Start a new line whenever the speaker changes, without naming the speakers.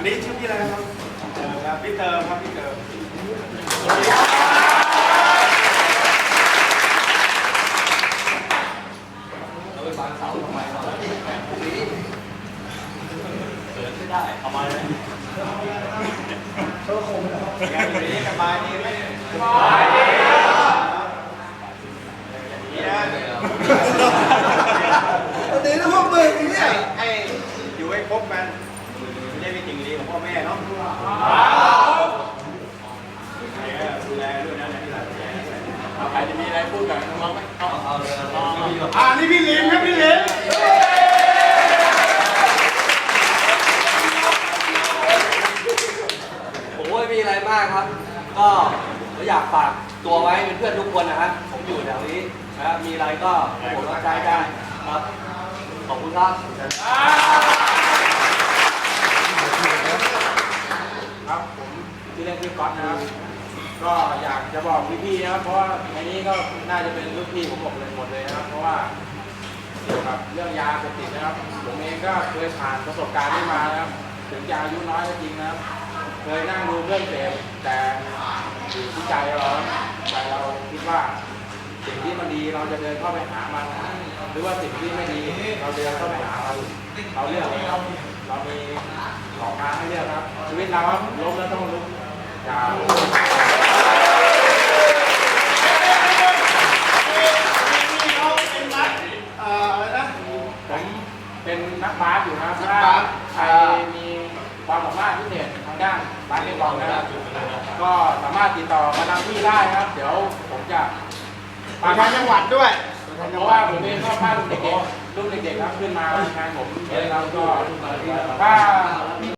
นนี้ชื่อพี่อะไรนะครับพี่เติมครับพี่เติม
เราไปฟังเสาทำไมเราแบบพวกนี้เกิดไม่ได้เอามาเลยโชว์คมเหรอแกอยู่นี้สบายดีไหมสบายดีอย่างนี้นะ
เดี๋ยวพวกมึงเนี่ย
ให้อยู่ให้ครบกันไม่ได้เป็นสิ่งดีของพ่อแม่เนาะดูแลด้วยนะที่หลังใครจะมีอะไรพูดกับน้องไหมเอาเลยนี่พี่ลิมครับพี่ลิม
ผมไม่มีอะไรมากครับก็อยากฝากตัวไว้เป็นเพื่อนทุกคนนะครับผมอยู่แถวนี้นะครับมีอะไรก็ผมรับใช้ได้ครับขอบคุณครับ
ครับผมชื่อเล่นชื่อก๊อตนะครับก็อยากจะบอกพี่ๆนะครับเพราะว่าในนี้ก็น่าจะเป็นลูกพี่ผมหมดเลยนะครับเพราะว่าเกี่ยวกับเรื่องยาเสพติดนะครับผมเองก็เคยผ่านประสบการณ์นี้มานะครับถึงจะอายุน้อยก็จริงนะครับเคยนั่งดูเพื่อนเสพแต่อยู่ที่ใจเราคิดว่าสิ่งที่มันดีเราจะเดินเข้าไปหามันหรือว่าสิ่งที่ไม่ดีเราเดินเข้าไปหาเราเลือกเองเรามี2 ทางให้เลือกครับชีวิตเราครับล้มแล้วต้องลุกอย่าผมเป็นนักบาสอยู่นะครับถ้าใครมีความสามารถพิเศษทางด้านบาสเกตบอลนะครับก็สามารถติดต่อมาทางที่ได้ครับเดี๋ยวผมจะ
ไปทางจังหวัดด้วย
เพราะว่าผมเองก็พารุ่นเด็กๆครับขึ้นมางานผมเราก็ถ้า